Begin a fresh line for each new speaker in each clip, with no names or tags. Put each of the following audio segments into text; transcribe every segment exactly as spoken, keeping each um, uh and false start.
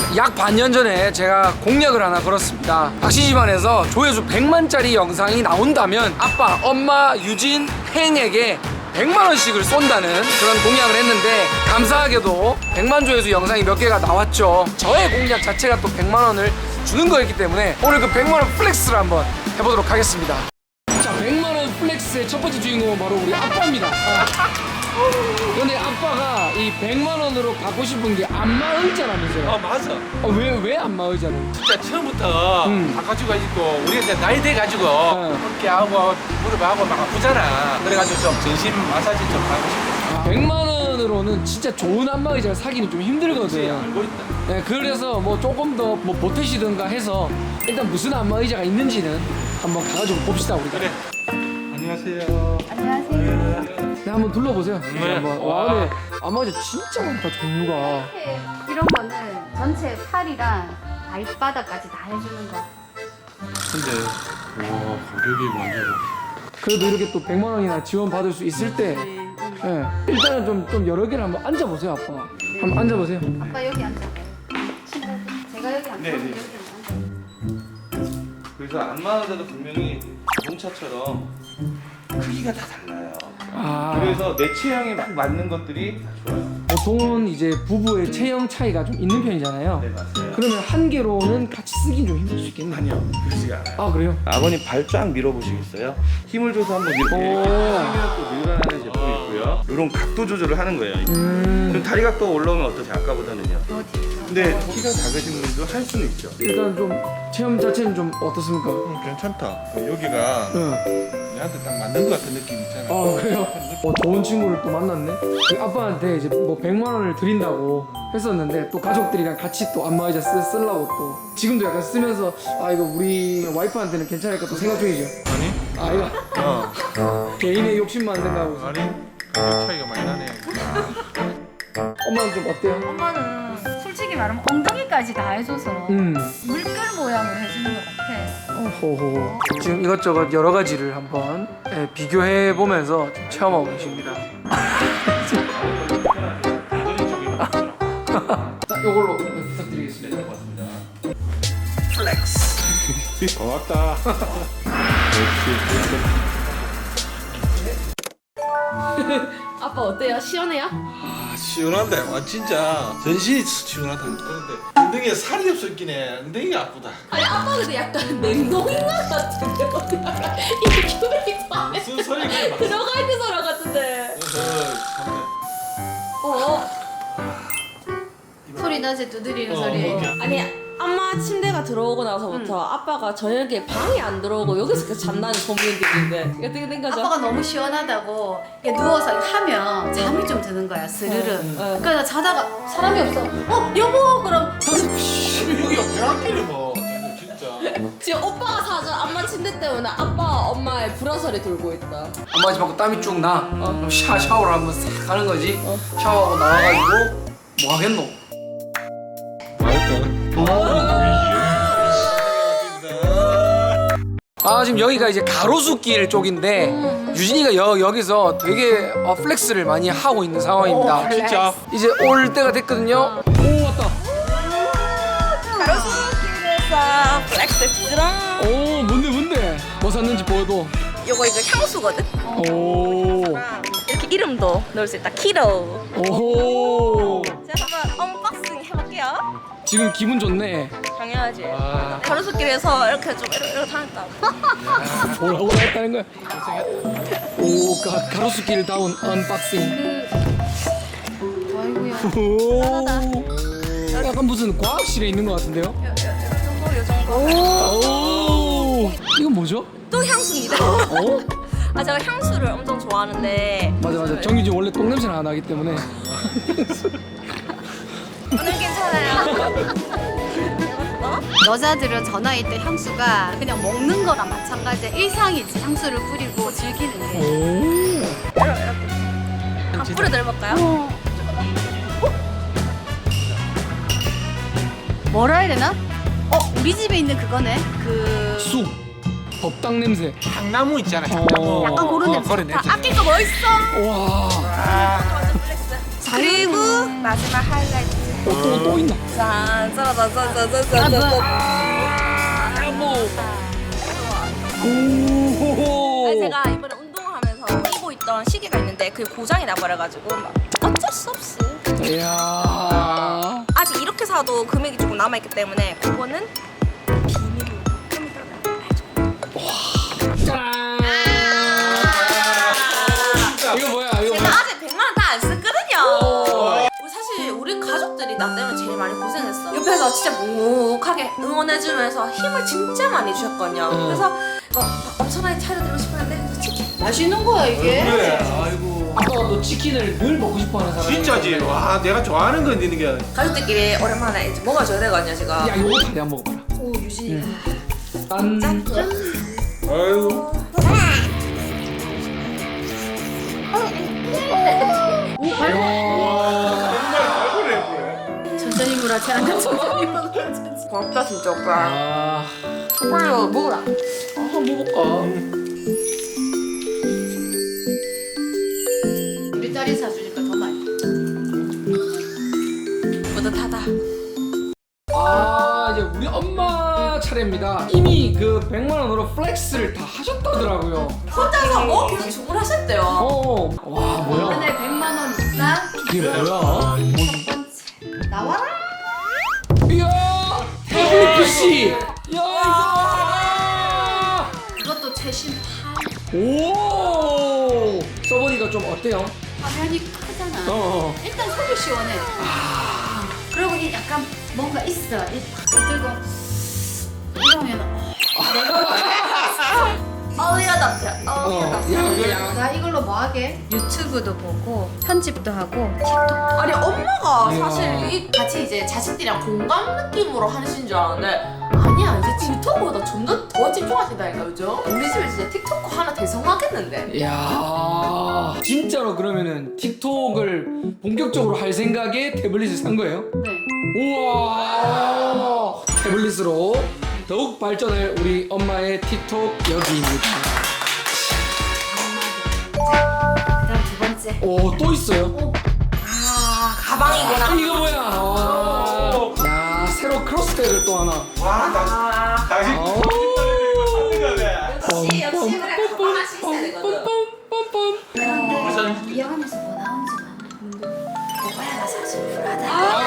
약 반년 전에 제가 공약을 하나 걸었습니다. 박씨 집안에서 조회수 백만짜리 영상이 나온다면 아빠, 엄마, 유진, 행에게 백만 원씩을 쏜다는 그런 공약을 했는데 감사하게도 백만 조회수 영상이 몇 개가 나왔죠. 저의 공약 자체가 또 백만 원을 주는 거였기 때문에 오늘 그 백만 원 플렉스를 한번 해보도록 하겠습니다. 자, 백만 원 플렉스의 첫 번째 주인공은 바로 우리 아빠입니다. 근데 아빠가 이 백만 원으로 갖고 싶은 게 안마의자라면서요?
아 맞아.
어, 왜, 왜 안마의자는?
진짜 처음부터
음.
다 가지고 가지고 우리가 이제 나이 돼 가지고
네.
어깨 하고 무릎 하고 막 아프잖아. 그래가지고 좀 전신 마사지 좀 하고 싶어.
아, 백만 원으로는 진짜 좋은 안마의자를 사기는 좀
그치,
힘들거든요.
알고 있다.
네, 그래서 뭐 조금 더 뭐 보태시든가 해서 일단 무슨 안마의자가 있는지는 한번 가가지고 봅시다 우리가.
그래. 안녕하세요.
안녕하세요.
네, 한번 둘러보세요.
네.
한번. 와, 근데 안마의자 진짜 많다 종류가.
이렇게 이런 거는 전체 팔이랑 발바닥까지 다 해주는 거.
근데 와 가격이 완전.
그래도 이렇게 또 백만 원이나 지원 받을 수 있을 때, 네, 일단은 좀, 좀 여러 개를 한번 앉아보세요, 아빠. 한번 앉아보세요.
아빠 여기 앉아봐요. 친구들. 제가 여기 앉아요.
네, 네.
여기 앉아요.
그래서 안마의자도 분명히 자동차처럼 크기가 다 달라요.
아,
그래서 내 체형에 딱 맞는 것들이 다 좋아요.
보통은 이제 부부의 체형 차이가 좀 있는 편이잖아요.
네, 맞아요.
그러면 한 개로는 같이 쓰긴 좀 힘들 수 있겠네요.
아니요, 그러지 않아요.
아, 그래요?
아버님 발 쫙 밀어보시겠어요? 힘을 줘서 한번 이렇게
오.
당기면 또 밀어내는 제품이 있고요. 이런 각도 조절을 하는 거예요.
음,
그럼 다리 각도 올라오면 어떠세요? 아까보다는요?
어디?
근데 키가 작으신 분도 할 수는 있죠.
일단 좀 체험 자체는 좀 어떻습니까?
음, 괜찮다. 여기가
응.
얘한테 딱 맞는 것 같은 느낌 있잖아.
아, 그래요? 어, 좋은 친구를 또 만났네. 그 아빠한테 이제 뭐 백만 원을 드린다고 했었는데 또 가족들이랑 같이 또 안마의자 쓰, 쓰려고 또 지금도 약간 쓰면서 아 이거 우리 와이프한테는 괜찮을까 또 생각 중이죠.
아니?
아 이거
어.
개인의 욕심만 생각하고 있어.
아니? 가격 차이가 많이 나네.
엄마는 좀 어때요?
엄마는 솔직히 말하면 엉덩이까지 다 해줘서
음.
물결 모양을 해주는 것 같아.
호호. 지금 이것저것 여러 가지를 한번 예, 비교해 보면서 좀 체험하고 계십니다. 자, 이걸로 부탁드리겠습니다.
고맙다.
아빠 어때요? 시원해요?
아, 시원한데. 와, 진짜. 전신이 시원하다. 그런데 엉덩이에 살이 없었긴 해. 엉덩이가 아프다.
아니 아빠 근데 약간 냉동인 것 같은데 어디다가 이게 큐빅 안에
무슨 소리가 막.
들어가 있는 사람 같은데
그래서 참.
어?
소리 낮에 두드리는
어,
소리.
뭐.
아니 엄마 침대가 들어오고 나서부터 아빠가 저녁에 방에 안 들어오고 여기서 계속 잔다는 소문들인데 이게 어떻게 된 거죠?
아빠가 너무 시원하다고 이렇게 누워서 하면 잠이 좀 드는 거야 스르르.
어.
그러니까 자다가 사람이 없어. 어 여보 그럼
여기가 배학기를 뭐. 진짜.
지금 오빠가 사준 엄마 침대 때문에 아빠 엄마의 불화설이 돌고 있다.
안마의자 받고 땀이 쭉 나.
어.
그럼 샤, 샤워를 한번 싹 하는 거지.
어.
샤워하고 나와가지고 뭐 하겠노? 아 지금 여기가 이제 가로수길 쪽인데 유진이가 여, 여기서 되게 어, 플렉스를 많이 하고 있는 상황입니다.
진짜.
이제 올 때가 됐거든요. 오 왔다.
가로수길에서 플렉스 찌렁.
오 뭔데 뭔데? 뭐 샀는지 보여도.
요거 이거 향수거든.
오.
이렇게 이름도 넣을 수 있다. 키로.
오호.
제가 한번 언박싱 해볼게요.
지금 기분 좋네.
당연하지. 가로수길에서 이렇게 좀 이렇게, 이렇게 다녔다.
뭐라고 했다는 거야? 오 가, 가로수길 다운 언박싱.
아이고야.
오. 약간 무슨 과학실에 있는 것 같은데요?
요, 요, 요 정도, 요 정도.
오. 이건 뭐죠?
또 향수입니다.
어?
아 제가 향수를 엄청 좋아하는데.
맞아 맞아. 정유진 원래 똥 냄새가 안 나기 때문에.
오늘 괜찮아요.
여자들은 저 나이 때 향수가 그냥 먹는 거랑 마찬가지야. 일상이지. 향수를 뿌리고 즐기는 게.
오.
한 뿌려 내려볼까요?
뭐라 해야 되나? 어 우리 집에 있는 그거네. 그
쑥. 법당 냄새.
향나무 있잖아. 향나무.
약간 고른
어,
냄새.
그런
다
냄새.
아낄 거 뭐 있어?
와.
그리고 마지막 하이라이트.
또, 또 있나?
짠짠짠짠짠짠짠.
아, 뭐. 오.
아니, 제가 이번에 운동을 하면서 끼고 있던 시계가 있는데 그게 고장이 나버려가지고 막 어쩔 수 없이
이야.
아직 이렇게 사도 금액이 조금 남아있기 때문에 그거는 비밀로 좀 이따가 알죠.
짠. 이거 뭐야? 이거
제가
뭐야?
아직 백만 원 다 안 썼거든요. 우리 사실 우리 가족들이 나 때문에 제일 많이 고생했어. 옆에서 진짜 묵묵하게 응원해주면서 힘을 진짜 많이 주셨거든요.
응.
그래서 어, 엄청나게 차려드리고 싶었는데 치킨
맛있는 거야 이게.
그래. 아이고.
아빠가 또 치킨을 늘 먹고 싶어하는 사람.
진짜지. 와 내가 좋아하는 건 있는 게.
가족들끼리 오랜만에 이제 먹어줘야 되거든요 지금.
야, 이거 다리 한번 먹어봐라.
오 유진이.
짠.
아이고.
천천히 물어. 제한테 천천히 먹어.
고맙다 진짜 오빠.
아,
빨리 먹어라.
한번 먹어볼까?
우리 딸이 사주니까 더 많이.
뿌듯하다.
아, 이제 우리 엄마 차례입니다. 이미 그 백만 원으로 플렉스를 다 하셨다더라고요.
혼자서 뭐 계속 주문하셨대요.
어, 와, 뭐야?
오늘 백만 원 있다.
이게 뭐야?
나와라.
이야, 태블릿 피씨. 야, 이거.
이것도 최신 팔.
오, 써보니까 좀 어때요?
화면이 크잖아.
어.
일단 속이 시원해. 그리고 이 약간 뭔가 있어. 이 팍 들고 이러면
어이가 남자. 어이가
어,
남자.
야, 야.
나 이걸로 뭐 하게? 유튜브도 보고 편집도 하고
아니 엄마가
이야.
사실 이 같이 이제 자식들이랑 공감 느낌으로 하시는 줄 알았는데 아니야 이제 틱톡보다 좀 더 더 집중하신다니까 요즘. 우리 집에 진짜 틱톡 하나 대성하겠는데.
야, 진짜로 그러면은 틱톡을 본격적으로 할 생각에 태블릿을 산 거예요?
네.
우와, 태블릿으로 더욱 발전할 우리 엄마의 틱톡 여기입니다.
그다음 두 번째.
오, 또 있어요?
아 가방이구나.
이거 뭐야? 와. 야, 새로 크로스백을 또 하나.
와 당신 당신
오.
역시 역시 그래 가방 하나씩 있어야 되거든.
이 안에서 뭐 나오는지 오빠야 나 사실 불하다.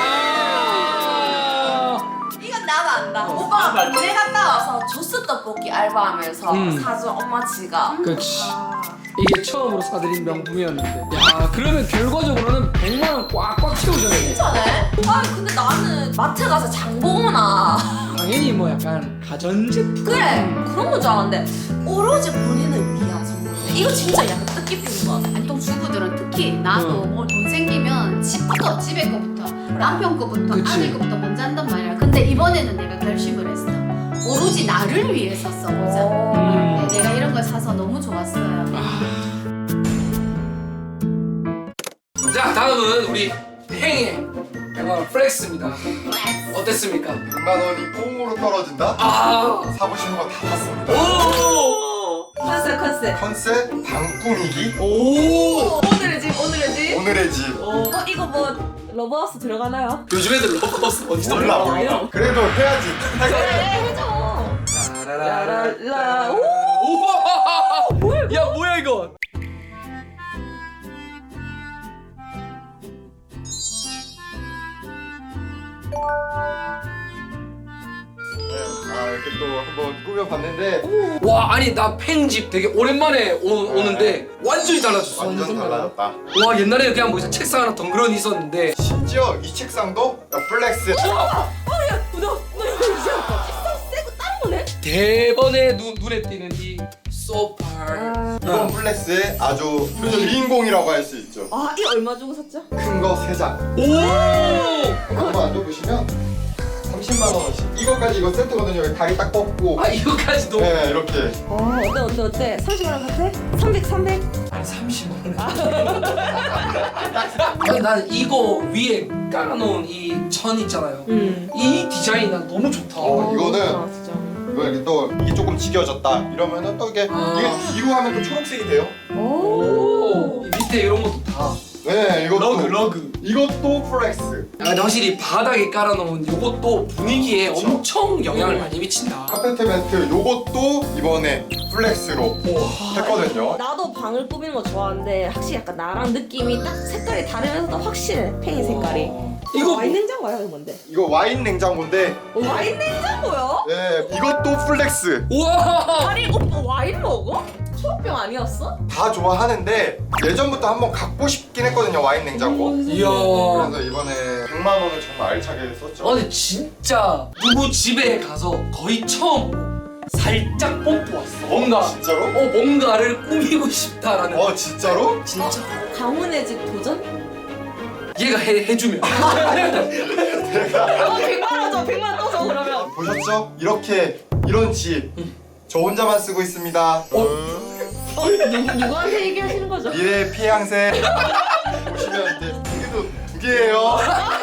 아.
이건 나도 안다. 오빠가 군대 갔다 와서 조스 떡볶이 알바하면서
음.
사준 엄마 지갑.
그렇지. 이게 처음으로 사드린 명품이었는데. 야, 그러면 결과적으로는 백만 원 꽉꽉 채우잖아요.
괜찮네? 아 근데 나는 마트 가서 장 보거나
당연히 뭐 약간 가전제품.
그래 그런 건 줄 알았는데 오로지 본인을 위한 선물인데 이거 진짜 약간 뜻깊은 거 같아.
아니 또 주부들은 특히 나도
응.
뭐 돈 생기면 집부터 집에 거부터 남편 거부터
그치.
아들 거부터 먼저 한단 말이야. 근데 이번에는 내가 결심을 했어. 오로지 나를 위해서 써보자.
음.
네, 내가 이런 걸 사서 너무 좋았어요.
자, 다음은 우리 행의 백만 원 플렉스입니다. 어땠습니까?
백만 원이 꽁으로 떨어진다?
아,
사고 싶은 거 다 샀습니다.
오,
컨셉 컨셉.
컨셉 방꾸미기
오.
오늘의 집 오늘의 집.
오늘의 집.
어 이거 뭐 러브하우스 들어가나요?
요즘 애들 러브하우스 뭔지
몰라
몰라.
몰라. 그래도 해야지.
네 해줘. 라라라. 오.
우와. 야, 뭐야 이거?
아 이렇게 또 한번 꾸며봤는데
와, 아니 나 팽집 되게 오랜만에 오, 오는데 완전히 달라졌어.
완전 달라졌다.
와, 옛날에 그냥 뭐 책상 하나 덩그러니 있었는데.
심지어 이 책상도 플렉스.
대번에 눈, 눈에 띄는 이 소파.
이번 플렉스의 아주 주인공이라고 할 수 있죠.
아 이거 얼마 주고 샀죠?
큰 거 세 장.
오!
한번 앉아보시면 삼십만 원씩. 이거까지 이거 세트거든요. 여기 다리 딱 뻗고.
아, 이거까지도?
네 이렇게.
어 어때 어때 어때? 삼십만 원 같아? 삼백 삼백.
아니, 삼십만 원. 아니, 난 이거 위에 깔아놓은 이 천 있잖아요.
음.
이 디자인 난 너무 좋다.
어, 이거는
아 진짜.
이거 이렇게 또 이게 조금 지겨졌다 이러면은 또 이게
아.
이게 뒤로 하면 또 초록색이 돼요.
오, 이 밑에 이런 것도 다.
네 이것도
러그, 러그.
이것도 플렉스.
아, 근데 확실히 바닥에 깔아놓은 이것도 분위기에 엄청 영향을 많이 미친다.
카페트 매트 요것도 이번에 플렉스로 했거든요.
나도 방을 꾸미는 거 좋아하는데 확실히 약간 나랑 느낌이 딱 색깔이 다르면서도 확실해. 팽이 색깔이.
이거
와인 냉장고야 이거 뭔데?
이거 와인 냉장고인데
와인 냉장고요?
네 이것도 플렉스.
우와.
아니 오빠 와인 먹어? 초록병 아니었어?
다 좋아하는데 예전부터 한번 갖고 싶긴 했거든요 와인 냉장고.
이야.
그래서 이번에 백만 원을 정말 알차게 썼죠.
아 근데 진짜 누구 집에 가서 거의 처음 살짝 뽐뿌 왔어. 뭔가
진짜로?
어 뭔가를 꾸미고 싶다라는.
어 진짜로?
진짜.
가문의 집 도전?
얘가 해 해주면.
어 백만 원 줘, 백만 원 떠줘 그러면.
보셨죠? 이렇게 이런 집 저 혼자만 쓰고 있습니다.
어 누구 누구한테 얘기하시는 거죠?
미래 피양새 보시면 이제 두 개도 두 개예요.